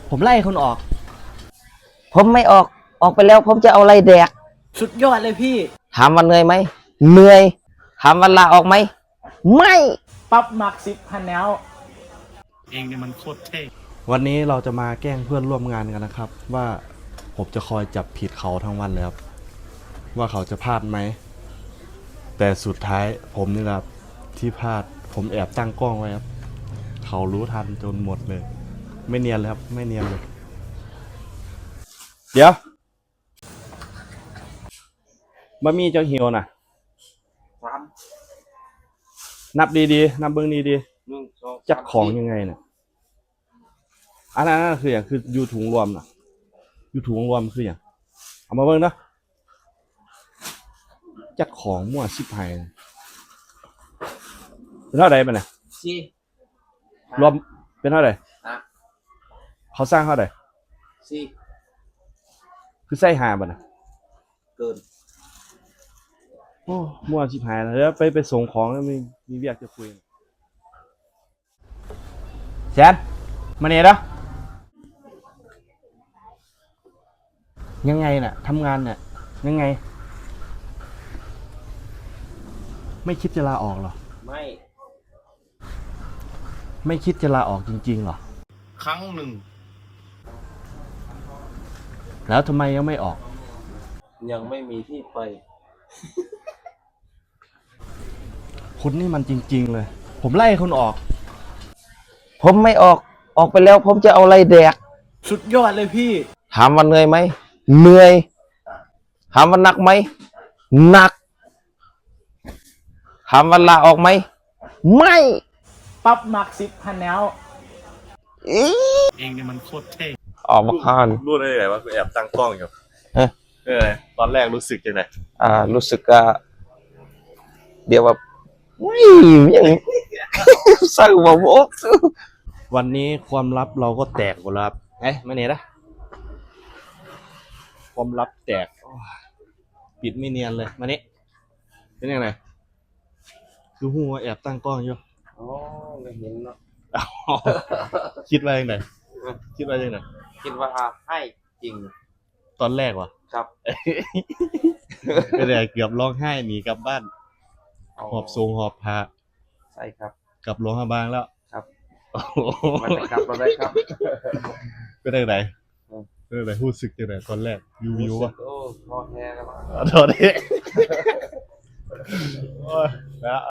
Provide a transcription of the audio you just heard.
ผมไล่คุณออกผมไม่ออกไปแล้วผมจะเอาอะไรแดกสุดยอดเลยพี่ถามว่าเหนื่อยไหมเหนื่อยถามว่าลาออกไหมไม่ปั๊บมัก10,000แล้วเองเนี่ยมันโคตรเท่วันนี้เราจะมาแกล้งเพื่อนร่วมงานกันนะครับ ว่าผมจะคอยจับผิดเขาทั้งวันเลยครับว่าเขาจะพลาดไหมแต่สุดท้ายผมนี่แหละที่พลาดผมแอบตั้งกล้องไว้ครับเขารู้ทันจนหมดเลยไม่เนียนเลยครับไม่เนียนเลยเดี๋ยวบะหมี่เจ้าหิวนะนับดีๆนับเบิ้งดีๆจัดของยังไงเนี่ยอันนั้นคืออย่างคือยูถุงรวมนะยูถุงรวมคืออย่างเอามาเบิ้งนะจัดของมั่วชิบหายเป็นเท่าไหร่ไปเนี่ยรวมเป็นเท่าไหร่เขาสร้างเท่าไหร่คือไส้หาบ่นะเกินโอ้มั่วชิบหายแล้วไปส่งของแล้วมีเรียกจะคุยแซนมาเนี่ยนะยังไงน่ะทำงานเนี่ยยังไงไม่คิดจะลาออกหรอไม่คิดจะลาออกจริงๆหรอครั้งหนึ่งแล้วทำไมยังไม่ออกยังไม่มีที่ไปคุณนี่มันจริงๆเลยผมไล่คุณออกผมไม่ออกไปแล้วผมจะเอาอะไรแดกสุดยอดเลยพี่ถามว่าเหนื่อยไหมเหนื่อยถามว่าหนักไหมหนักถามว่าลาออกไหมไม่ปั๊บมัก10,000แล้วเองเนี่ยมันโคตรเท่ออกมาคานรู้ได้ไงว่าแอบตั้งกล้องอยู่ตอนแรกรู้สึกยังไงรู้สึกเดี๋ยวแบบยังสร้างมาบอกวันนี้ความลับเราก็แตกหมดแล้วครับมาเนี่ยนะความลับแตกปิดไม่เนียนเลยมานี่เป็นยังไงคือหัวแอบตั้งกล้องอยู่ไม่เห็นเนาะคิดว่ายังไงคิดว่ายังไงคิดว่าให้จริงตอนแรกวะครับเป็นไงเกือบร้องไห้หนีกลับบ้านหอบทรงหอบพาใช่ครับกลับโรงพยาบาลแล้วครับมันจะกลับมาได้ครับเป็นยังไงเป็นยังไงรู้สึกยังไงตอนแรกวิววะโอ้ท้อแท้แล้วท้อแท้แล้ว